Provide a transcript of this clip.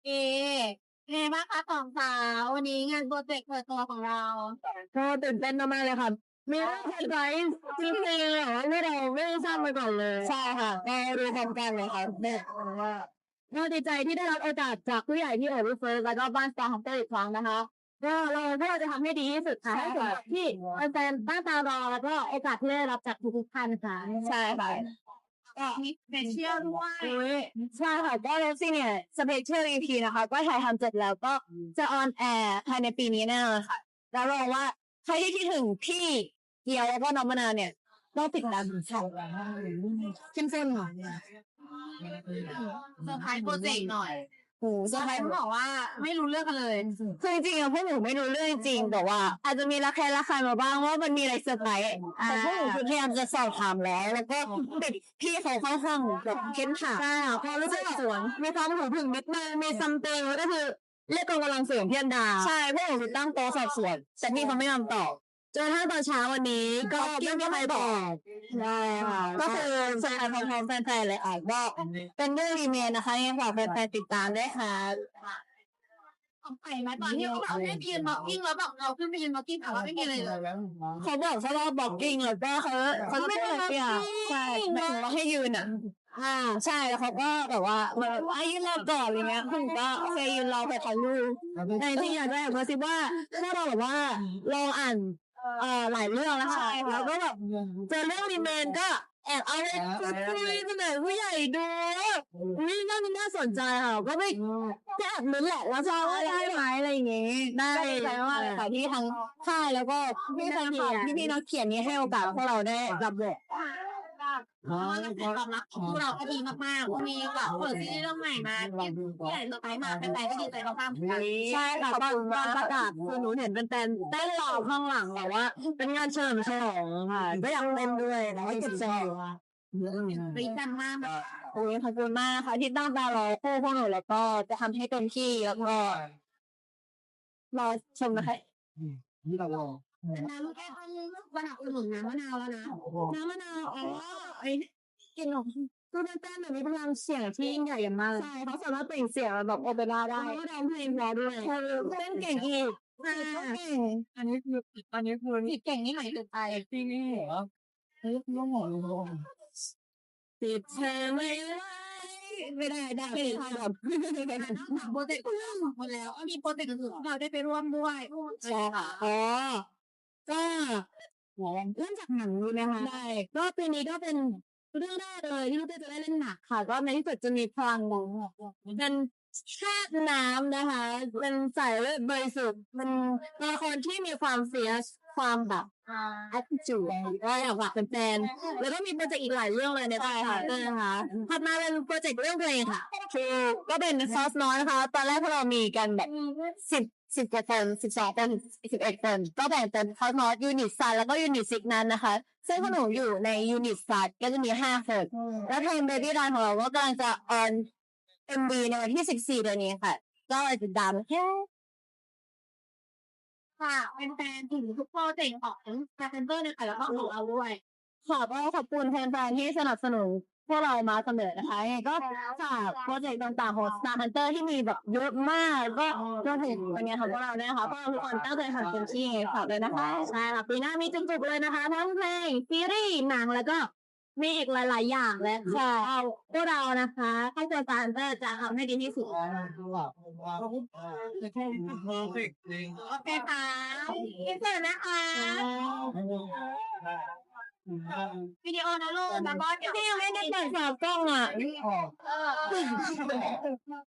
เอเป็นไงบ้างคะสองสาววันนี้งานโปรเจกต์เปิดตัวของเราก็ตื่นเต้นมากๆเลยค่ะมีเรื่องเซอร์ไพรส์จริงๆเลยอะที่เราไม่ได้ทราบมาก่อนเลยใช่ค่ะก็รู้พร้อมกันเลยค่ะเนี่ยว่าก็ดีใจที่ได้รับโอกาสจากผู้ใหญ่ที่รีเฟิร์สแล้วก็บ้านสตาร์ฮันเตอร์อีกครั้งนะคะก็เราจะทำให้ดีที่สุดค่ะให้สมกับที่แฟนๆตั้งตารอแล้วก็โอกาสที่ได้รับจากทุกๆท่านค่ะใช่ค่ะก็มีสเปเชียลด้วยใช่ค่ะก็เลฟซี่เนี่ยสเปเชียล EP นะคะก็ถ่ายทำเสร็จแล้วก็จะออนแอร์ภายในปีนี้แน่นอนค่ะแล้วรองว่าใครที่คิดถึงพี่เกียวแล้วก็น้องมะนาวเนี่ยต้องติดตามดูช่องเข้มข้นค่ะเซอร์ไพรส์โปรเจกต์หน่อยโอ้เซอร์ไพรส์บอกว่าไม่รู้เรื่องกันเลยคือจริงๆอะพวกหนูไม่รู้เรื่องจริงแต่ว่าอาจจะมีระคายมาบ้างว่ามันมีอะไรเซอร์ไพรส์แต่พวกหนูคือพยายามจะสอบถามแล้วก็ติดพี่เขาค่อนข้างแบบเข้มขามใช่ค่ะพอรู้สึกสวนมีความหูผึ่งนิดนึงมีซัมติงก็คือเรียกกองกำลังเสริมพี่อันดาใช่พวกหนูคือตั้งโต๊ะสอบสวนแต่พี่เขาไม่ยอมตอบจนถ้าตอนเช้าวันนี้ก็ไม่มีใครบอกใช่ค่ะก็คือแฟนของแฟนๆเลยอ่ะก็เป็นเรื่องรีเมนนะคะยังฝากแฟนๆติดตามด้วยค่ะของไปไหมตอนที่เราได้ไปยืนบ็อกกิ้งแล้วบอกเราขึ้นไปยืนบ็อกกิ้งแต่ว่าไม่มีอะไรเลยเขาบอกแค่ว่าบอกกิ้งแล้วก็เขาจะพูดอะไรอ่ะใช่หมายถึงว่าให้ยืนอ่ะใช่แล้วเขาก็แบบว่ามายืนรอก่อนอะไรเงี้ยคุณก็โอเคยืนรอไปถ่ายรูปแต่ที่อยากจะแอบกระซิบว่าถ้าเราแบบว่าลองอ่านหลายเรื่องแล้วค่ะแล้วก็แบบเจอเรื่องรีเมนก็แอบเอาไปคุยเสนอผู้ใหญ่ดูนี่น่าสนใจค่ะก็ไม่แค่แอบลุ้นแหละแล้วจะว่าได้ไหมอะไรอย่างเงี้ยได้ใจมากเลยค่ะที่ทั้งค่ายแล้วก็พี่แฟนคลับพี่นักเขียนนี้ให้โอกาสพวกเราได้รับบทเพราะว่ากระแสตอบรับของพวกเราก็ดีมากๆวันนี้แบบเปิดซีรีส์เรื่องใหม่มาที่ไหนต่อไปมาแฟนๆก็ดีใจมากๆใช่ค่ะตอนประกาศคือหนูเห็นเป็นแฟนเต้นรอข้างหลังแบบว่าเป็นงานเฉลิมฉลองค่ะก็อยากเต้นด้วยแล้วก็เก็บใจอยู่ค่ะดีใจมากโอ้ยขอบคุณมากค่ะที่ตั้งตารอคู่พวกหนูแล้วก็จะทำให้เต็มที่แล้วก็รอชมนะคะน้ำแค่ต้องวันหนักอุ่นน้ำมะนาวแล้วนะน้ำมะนาวอ๋อไอ้กลิ่นของคือเป็นแป้นแบบมีพลังเสียงที่ยิ่งใหญ่มากใช่เขาสามารถเปล่งเสียงแบบโอเปร่าได้แล้วก็ร้องเพลงเพราะด้วยเต้นเก่งอีกเก่งอันนี้คือผิดเก่งนี่หมายถึงอะไรที่นี่เหรอเฮ้ยน้องหมอติดเธอไม่ได้ไม่ได้ทำแบบโปรเจกต์หมดแล้วมีโปรเจกต์อื่นเราได้ไปร่วมด้วยใช่ค่ะอ๋อก็เริ่มจากหนังดูนะคะได้ก็ปีนี้ก็เป็นเรื่องแรกเลยที่ลูกเต้จะได้เล่นหนักค่ะก็ในที่สุดจะมีพลังหนังเป็นชาติน้ำนะคะเป็นสายเลือดบริสุทธิ์เป็นตัวละครที่มีความเฟียสความแบบattitude ก็อยากฝากแฟนๆแล้วก็มีโปรเจกต์อีกหลายเรื่องเลยในไทยค่ะนะคะถัดมาเป็นโปรเจกต์เรื่องเพลงค่ะคือก็เป็นซอสน้อยนะคะตอนแรกพวกเรามีกันแบบ10คน12 คน11 คนก็แบ่งเป็นซอสน้อยยูนิตซันแล้วก็ยูนิตซิกนั้นนะคะซึ่งพวกหนูอยู่ในยูนิตซันก็จะมี5 คนแล้วเพลง Baby Run ของเราก็กำลังจะออน MV ในวันที่14เดือนนี้ค่ะก็ติดตามแค่ค่ะเป็นแฟนถึงทุกโปรเจกต์ของคาเซนเตอร์นะคะแล้วก็ของเราด้วยค่ะก็ขอบคุณแฟนๆที่สนับสนุนพวกเรามาเสมอนะคะยังไงก็ฝากโปรเจกต์ต่างๆของ Star Hunter ที่มีแบบเยอะมากก็รวมถึงวันนี้ของพวกเราด้วยนะคะพวกเราทุกคนตั้งใจทำเต็มที่ฝากเลยนะคะใช่ค่ะปีหน้ามีจุกๆเลยนะคะทั้งเพลงซีรีส์หนังแล้วก็มีอีกหลายๆอย่างและค่ะพวกเรานะคะให้ตัว Star Hunter จะทำให้ดีที่สุดโอเคค่ะอินเสิร์ตนะคะวิดีโอนะลูกแล้วก็เดี๋ยวพี่ยังไม่ได้เปิดฝากล้องอ่ะ